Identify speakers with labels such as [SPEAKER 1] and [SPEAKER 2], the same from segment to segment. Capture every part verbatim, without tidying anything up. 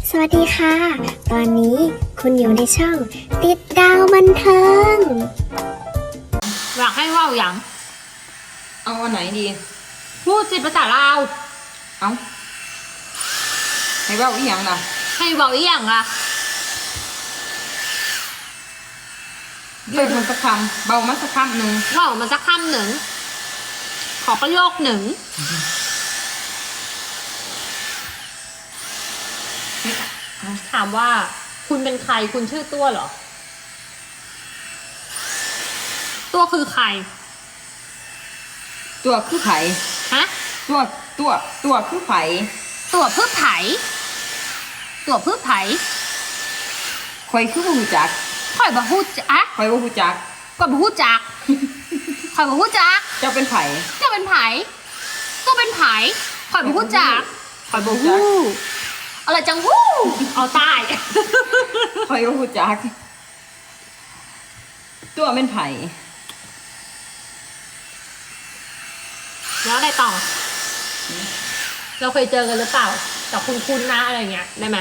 [SPEAKER 1] สวัสดีค่ะ ตอนนี้คุณอยู่ในช่องติดดาวบันเทิง
[SPEAKER 2] อยากให้ว่าวอย่าง
[SPEAKER 3] เอาอันไหนดี
[SPEAKER 2] พูดสิภาษาลาว
[SPEAKER 3] เอาให้เว่าอีหยังล่ะ
[SPEAKER 2] ให้เบาอีอย่างอ่ะ
[SPEAKER 3] เลือกมันสักคำเบามาสักคำหนึ่ง
[SPEAKER 2] เว่ามาสักคำหนึ่ง ขอประโยคหนึ่ง ถามว่าคุณเป็นใครคุณชื่อตัวเหรอ ตัวคือใคร
[SPEAKER 3] ตัวคือไผ่
[SPEAKER 2] ฮะ
[SPEAKER 3] ตัวตัวตัวคือไผ่
[SPEAKER 2] ตัวพืชไผ่ตัวพืชไผ่
[SPEAKER 3] คอยคือบ่ฮู้จัก
[SPEAKER 2] ข่อยบ่ฮู้จัก
[SPEAKER 3] คอยบ่ฮู้จัก
[SPEAKER 2] ก็บ่ฮู้จักข่อยบ่ฮู้จัก
[SPEAKER 3] เจ้าเป็นไผ่
[SPEAKER 2] เจ้าเป็นไผ่ตัวเป็นไผ่ข่อยบ่ฮู้จักข่อยบ่ฮู้อะไรจังฮู้เอาตาย
[SPEAKER 3] คอยบ่ฮู้จัก ตัวเป็นไผ่
[SPEAKER 2] แล้วอะไรต่อ เราเคยเจอกันหรือเปล่าแต่คุณคุณนะอะไรเงี้ยได้ไหม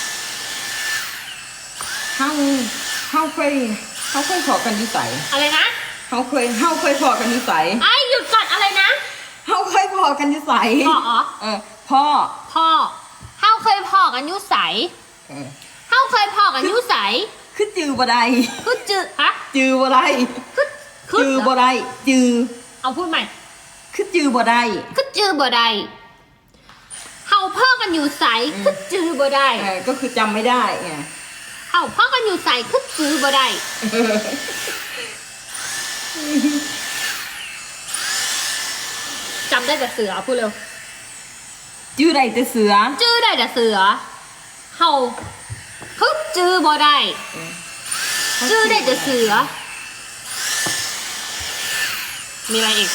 [SPEAKER 3] เฮาเฮาเคยเฮาเคยพอกันอยู่ไส
[SPEAKER 2] อะไรนะ
[SPEAKER 3] เฮาเคยเฮาเคยพอกันอยู่ไส
[SPEAKER 2] ไอ้หยุดก่อนอะไรนะ
[SPEAKER 3] เฮาเคยพอกันอยู่ไส
[SPEAKER 2] พ่ออ๋อ
[SPEAKER 3] เออพ่อ
[SPEAKER 2] พ่อเฮาเคยพอกันอยุใส
[SPEAKER 3] เออ
[SPEAKER 2] เฮาเคยพอกันอยุใส
[SPEAKER 3] คือจือบ่ได้
[SPEAKER 2] คือจือฮะ
[SPEAKER 3] จือบ่ได้
[SPEAKER 2] คือคือ
[SPEAKER 3] จือบ่ได้จือ
[SPEAKER 2] เอาพูดใหม่
[SPEAKER 3] คือจือบ่ได้
[SPEAKER 2] คือจือบ่ได้เฮาพ่อกันอยู่ใสคือจือบ่ได้
[SPEAKER 3] เออก็คือจำไม่ได้ไง
[SPEAKER 2] เฮาพ่อกันอยู่ใสคือจือบ่ได้จำได้แต่เสือพูดเร็ว
[SPEAKER 3] จื้อได้แต่เสือ
[SPEAKER 2] จื้อได้แต่เสือเฮาคือจือบ่ได้จื้อได้แต่เสือ มีอะไรอีก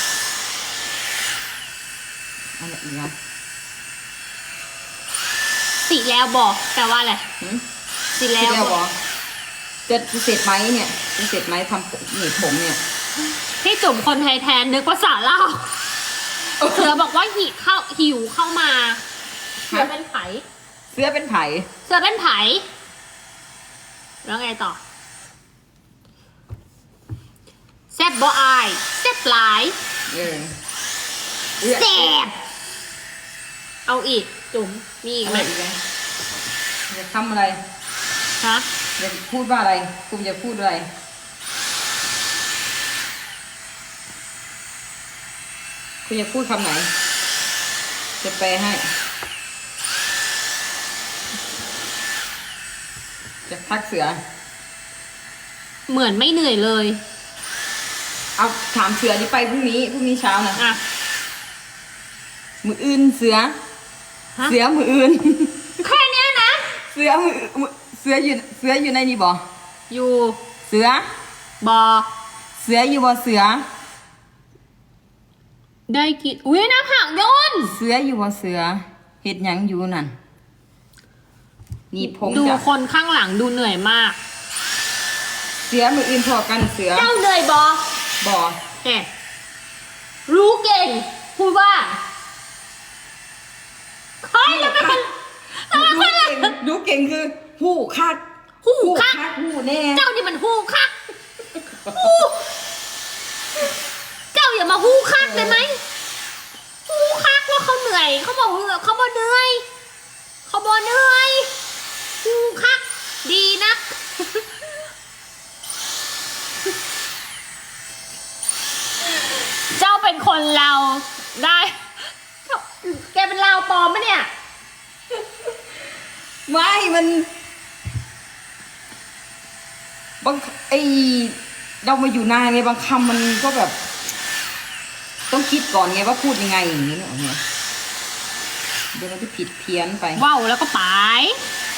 [SPEAKER 3] อะไรอีกนะ
[SPEAKER 2] สิแล้วบอกแปลว่าอะไร
[SPEAKER 3] หืม
[SPEAKER 2] สิ
[SPEAKER 3] ที่
[SPEAKER 2] แล้ว
[SPEAKER 3] แล้ว
[SPEAKER 2] บบ อ
[SPEAKER 3] อก กจะเสร็จไหมเนี่ยจะเสร็จไหมทำผมหนีบผมเนี่ย
[SPEAKER 2] พี่จุ่มคนไทยแทนนึกภาษาลาวเสือบอกว่าหิเข้าหิวเข้ามาเสือเป็นไผ
[SPEAKER 3] เสื้อเป็นไผ่
[SPEAKER 2] เสือเป็นไผแล้วไงต่อแซ่บบ่อายแซ่บหลาย
[SPEAKER 3] เออ
[SPEAKER 2] แซ่บเอาอีกจุ๋มมีอีก
[SPEAKER 3] อะ
[SPEAKER 2] ไห
[SPEAKER 3] ไร
[SPEAKER 2] ม
[SPEAKER 3] อีกไหมจะทำอะไร
[SPEAKER 2] ฮะ
[SPEAKER 3] จะพูดว่าอะไรคุณจะพูดอะไรคุณจะพูดคำไหน จะแปลให้ จะพักเสือ
[SPEAKER 2] เหมือนไม่เหนื่อยเลย
[SPEAKER 3] เอาถามเสือนี่ไปพรุ่งนี้พรุ่งนี้เช้านะ
[SPEAKER 2] อ่ะ
[SPEAKER 3] มืออื่นเสือ
[SPEAKER 2] ฮะ
[SPEAKER 3] เสือมืออื่น
[SPEAKER 2] แค่เนี้ยนะ
[SPEAKER 3] เสือมือมือเสืออยู่เสืออยู่ในนี่บ่
[SPEAKER 2] อยู่
[SPEAKER 3] เสือบ
[SPEAKER 2] อ
[SPEAKER 3] เสืออยู่บ่เสือ
[SPEAKER 2] ได้กินอุ้ยหน้าผากโยน
[SPEAKER 3] เสืออยู่บ่เสือเฮ็ดหยังอยู่นั่นนี่ผม
[SPEAKER 2] ดู
[SPEAKER 3] จะ
[SPEAKER 2] คนข้างหลังดูเหนื่อยมาก
[SPEAKER 3] เสือมืออื่นพอกันเสือ
[SPEAKER 2] เจ้าเหนื่อยบอ
[SPEAKER 3] บ่
[SPEAKER 2] แหมรู้เก่ง พูดว่าใครแล้วเป็นคน
[SPEAKER 3] รู้เก่งรู้เก่งคือหู้คัก
[SPEAKER 2] หูคัก
[SPEAKER 3] หู้แน่
[SPEAKER 2] เจ้านี่มันหูคักหูเจ้าอย่ามาหูคักได้ไหมหูคักว่าเขาเหนื่อยเขาบอกเหนื่อยเขาบอกเหนื่อยเขาบอกเหนื่อยหูคัก ดีนัก เจ้าเป็นคนเราวได้ แกเป็นลาวปลอมปะเนี่ย
[SPEAKER 3] ไม่มันบางไอเรามาอยู่นานไงบางคำมันก็แบบ ต้องคิดก่อนไงว่าพูดยังไงอย่างนี้เนอะเนี่ยเดี๋ยวมันจะผิดเพี้ยนไป
[SPEAKER 2] ว้าวแล้วก็ไป